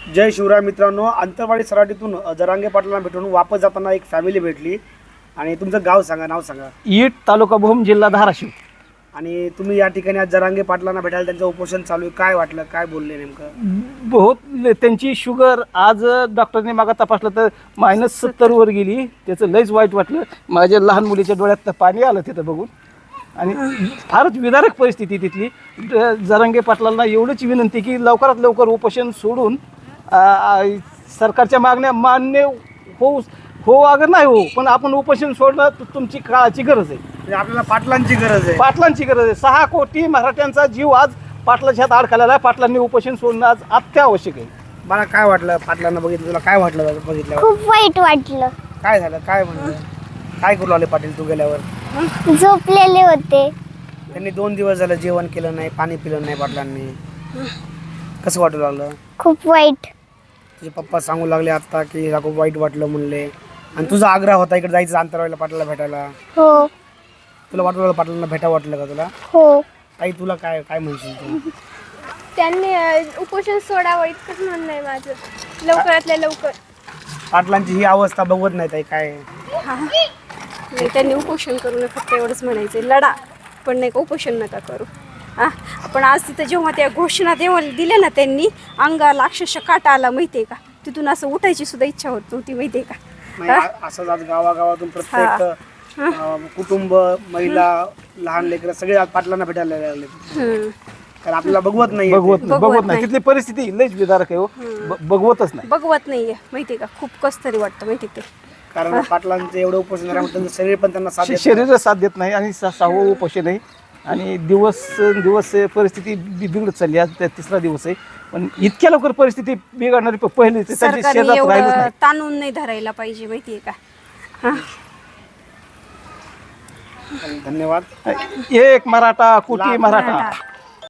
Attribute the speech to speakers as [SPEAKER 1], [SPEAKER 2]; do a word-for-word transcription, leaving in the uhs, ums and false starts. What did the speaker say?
[SPEAKER 1] जय शिवराय मित्रांनो, अंतरवाडी सराटीतून जरांगे पाटलांना भेटून वापस जाताना एक फॅमिली भेटली. आणि तुमचं गाव सांगा, नाव सांगा.
[SPEAKER 2] ईट, तालुका भूम, जिल्हा धाराशिव.
[SPEAKER 1] आणि तुम्ही या ठिकाणी आज जरांगे पाटलांना भेटायला त्यांचं उपोषण चालू आहे, काय वाटलं, काय बोलले नेमकं?
[SPEAKER 2] बहुत त्यांची शुगर आज डॉक्टरने मागा तपासलं तर मायनस सत्तरवर गेली. त्याचं लयच वाईट वाटलं. माझ्या लहान मुलीच्या डोळ्यात पाणी आलं तिथं बघून. आणि फारच विदारक परिस्थिती तिथली. जरांगे पाटलांना एवढंच विनंती की लवकरात लवकर उपोषण सोडून आ, आ, सरकारच्या मागण्या मान्य होऊ हो अगर नाही हो, पण आपण उपोषण सोडणं तु- तुमची काळाची गरज आहे.
[SPEAKER 1] म्हणजे आपल्याला पाटलांची गरज आहे.
[SPEAKER 2] पाटलांची गरज आहे. सहा कोटी मराठ्यांचा जीव आज पाटलाच्या हात अडकलेला आहे. पाटलांनी उपोषण सोडणं आज अत्यावश्यक आहे.
[SPEAKER 1] मला काय वाटलं पाटलांना बघितलं, तुला काय वाटलं बघितल्यावर?
[SPEAKER 3] खूप वाईट वाटलं.
[SPEAKER 1] काय झालं, काय म्हणलं, काय करू लागले पाटील तू गेल्यावर?
[SPEAKER 3] झोपलेले होते.
[SPEAKER 1] त्यांनी दोन दिवस झालं जेवण केलं नाही, पाणी पिलं नाही पाटलांनी. कसं वाटू लागलं?
[SPEAKER 3] खूप वाईट.
[SPEAKER 1] तुझे पप्पा सांगू लागले आता की हिला खूप वाईट वाटलं म्हणले. आणि तुझा आग्रह होता इकडे जायचं अंतरवाडीला पाटलाला भेटायला.
[SPEAKER 3] हो
[SPEAKER 1] तुला वाटलं पाटलांना भेटा वाटलं का तुला?
[SPEAKER 3] हो.
[SPEAKER 1] ताई तुला काय काय म्हणशील तू?
[SPEAKER 4] त्यांनी अ, उपोषण सोडावं इतकंच म्हणणं आहे माझं, लवकरातल्या लवकर.
[SPEAKER 1] पाटलांची ही अवस्था बघवत नाही ताई, काय
[SPEAKER 4] नाही, त्यांनी उपोषण करू नये, फक्त एवढंच म्हणायचं. लढा, पण नाही का उपोषण नका करू. हा, पण आज तिथं जेव्हा त्या घोषणा तेव्हा दिल्या ना त्यांनी, अंगाला अक्षरशः काटा आला माहिती आहे का. तिथून असं उठायची सुद्धा इच्छा होत नव्हती माहिती आहे का.
[SPEAKER 1] नाही, आ- असंच आज गावागावातून प्रत्येक अं, कुटुंब, महिला, लहान लेकरं सगळे आज पाटलांना भेटायला लागले.
[SPEAKER 4] हम्म.
[SPEAKER 1] कारण आपल्याला बघवत नाही
[SPEAKER 2] बघवत नाही,
[SPEAKER 4] बघवत
[SPEAKER 2] बघवत नाही.
[SPEAKER 4] नाही.
[SPEAKER 2] तिथली परिस्थिती लयच विदारक आहे हो. ब- बघवतच नाही.
[SPEAKER 4] बघवत नाहीये माहिती आहे का. खूप कस तरी वाटतं माहिती आहे ते.
[SPEAKER 1] कारण पाटलांचं एवढं उपोषण झाल्यामुळे त्यांचं शरीर पण त्यांना साथ देत नाही.
[SPEAKER 2] शरीर साथ देत नाही आणि सा- सहावं उपोषण आहे. आणि दिवस दिवस परिस्थिती बि- बिघडत चालली. आज त्या तिसरा दिवस आहे, पण इतक्या लवकर परिस्थिती बिघडणारी प- पहिली त्यांची
[SPEAKER 4] सरकारने
[SPEAKER 2] शेजात राहिलंच
[SPEAKER 4] एवढं
[SPEAKER 2] नाही.
[SPEAKER 4] ताणून नाही धरायला पाहिजे माहिती आहे का.
[SPEAKER 1] धन्यवाद.
[SPEAKER 2] एक मराठा, कोटी मराठा.